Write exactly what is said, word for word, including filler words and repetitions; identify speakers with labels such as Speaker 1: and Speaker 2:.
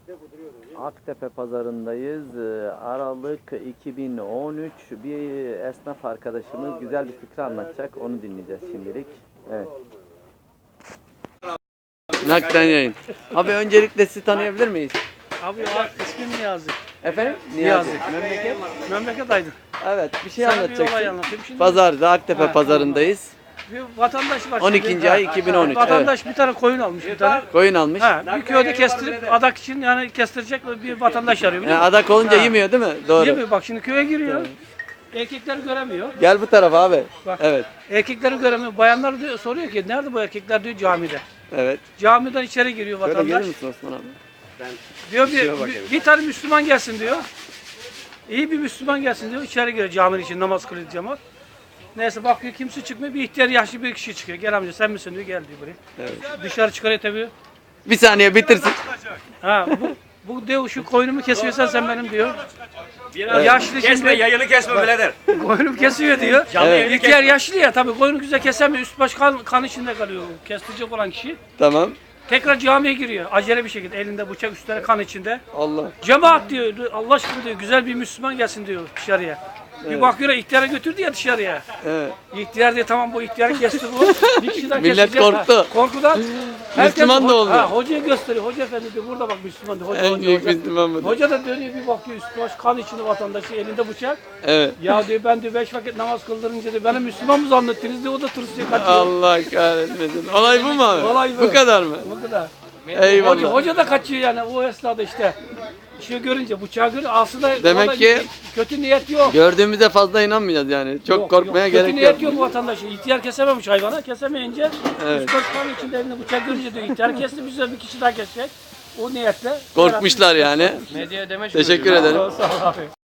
Speaker 1: Aktepe pazarındayız. Ee, Aralık iki bin on üç. Bir esnaf arkadaşımız güzel bir fikri anlatacak. Onu dinleyeceğiz şimdilik. Evet. Nakden yayın. Abi öncelikle sizi tanıyabilir miyiz?
Speaker 2: Abi ya ismim Niyazi.
Speaker 1: Efendim?
Speaker 2: Niyazi.
Speaker 1: Memleket?
Speaker 2: Memleket Aydın.
Speaker 1: Evet, bir şey
Speaker 2: Sana bir olay
Speaker 1: anlatacaksın.
Speaker 2: anlatayım. Şimdi
Speaker 1: Pazarda, Aktepe
Speaker 2: Ha,
Speaker 1: pazarındayız.
Speaker 2: bir vatandaş var.
Speaker 1: on
Speaker 2: şimdi.
Speaker 1: ikinci ay iki bin on üç.
Speaker 2: Vatandaş bir tane koyun almış bir tane.
Speaker 1: Koyun almış.
Speaker 2: Ha, bir köyde kestirip adak için yani kestirecek bir vatandaş arıyor.
Speaker 1: Yani
Speaker 2: biliyor musun?
Speaker 1: adak olunca
Speaker 2: Ha.
Speaker 1: yemiyor değil mi? Doğru.
Speaker 2: Yemiyor, bak şimdi köye giriyor. Erkekleri göremiyor.
Speaker 1: Gel bu tarafa abi.
Speaker 2: Bak.
Speaker 1: Evet.
Speaker 2: Erkekleri göremiyor. Bayanlar diyor, soruyor ki nerede bu erkekler diyor camide.
Speaker 1: Evet.
Speaker 2: Camiden içeri giriyor
Speaker 1: Şöyle
Speaker 2: vatandaş.
Speaker 1: gelir misin Osman abi?
Speaker 2: Diyor bir, bir, bir tane Müslüman gelsin diyor. İyi bir Müslüman gelsin diyor. İçeri giriyor caminin için namaz kılıyor cemaat. Neyse bakıyor kimse çıkmıyor. Bir ihtiyar yaşlı bir kişi çıkıyor. Gel amca sen misin diyor. Gel diyor buraya.
Speaker 1: Evet.
Speaker 2: Dışarı çıkarıyor tabii.
Speaker 1: Bir saniye bitirsin.
Speaker 2: Ha bu bu diyor şu koyunumu kesiyorsan sen benim diyor.
Speaker 3: Biraz
Speaker 2: Yaşlı
Speaker 3: kesme,
Speaker 2: şimdi
Speaker 3: yayını kesme birader.
Speaker 2: koyunumu kesiyor diyor.
Speaker 3: Evet.
Speaker 2: İhtiyar yaşlı ya tabii koyunu güzel kesemiyor. Üst baş kan, kan içinde kalıyor. Kestirecek olan kişi.
Speaker 1: Tamam.
Speaker 2: Tekrar camiye giriyor. Acele bir şekilde elinde bıçak üstüne kan içinde.
Speaker 1: Allah.
Speaker 2: Cemaat diyor, Allah aşkına diyor, güzel bir Müslüman gelsin diyor dışarıya. Bir bakıyor ihtiyara götürdü ya dışarıya.
Speaker 1: Evet.
Speaker 2: İhtiyar diyor tamam bu ihtiyarı kesti bu. Bir kişi daha
Speaker 1: Millet
Speaker 2: kesecek.
Speaker 1: korktu.
Speaker 2: Ha, korkudan.
Speaker 1: Müslüman da oldu.
Speaker 2: Ha, hocaya gösteriyor. Hoca efendi diyor burada bak Müslüman diyor. Hoca,
Speaker 1: En
Speaker 2: hoca,
Speaker 1: büyük
Speaker 2: hoca.
Speaker 1: Müslüman bu.
Speaker 2: Hoca da dönüyor bir bakıyor üstü baş kan içinde vatandaşı elinde bıçak.
Speaker 1: Evet.
Speaker 2: Ya diyor ben diyor beş vakit namaz kıldırınca diyor beni Müslüman mı zannettiniz diyor o da tırsıyor kaçıyor.
Speaker 1: Allah kahretmesin. Olay bu mu abi?
Speaker 2: Olay bu.
Speaker 1: Bu kadar mı?
Speaker 2: Bu kadar.
Speaker 1: Eyvallah.
Speaker 2: Hoca, hoca da kaçıyor yani o esnada işte. Şey görünce bıçağı görünce aslında
Speaker 1: Demek
Speaker 2: orada
Speaker 1: ki-
Speaker 2: kötü niyet yok.
Speaker 1: Gördüğümüzde fazla inanmayacağız yani. Çok
Speaker 2: Yok,
Speaker 1: korkmaya
Speaker 2: yok.
Speaker 1: gerek
Speaker 2: Kötü
Speaker 1: yok.
Speaker 2: niyet yok vatandaşı. İhtiyar kesememiş hayvana. Kesemeyince
Speaker 1: Evet.
Speaker 2: üç dört tane içinde elinde bıçak görünce diyor ihtiyar kesti bize bir kişi daha kesecek. O niyetle.
Speaker 1: Korkmuşlar yani.
Speaker 2: Medya demeç
Speaker 1: Teşekkür ederim.
Speaker 2: Sağ ol abi.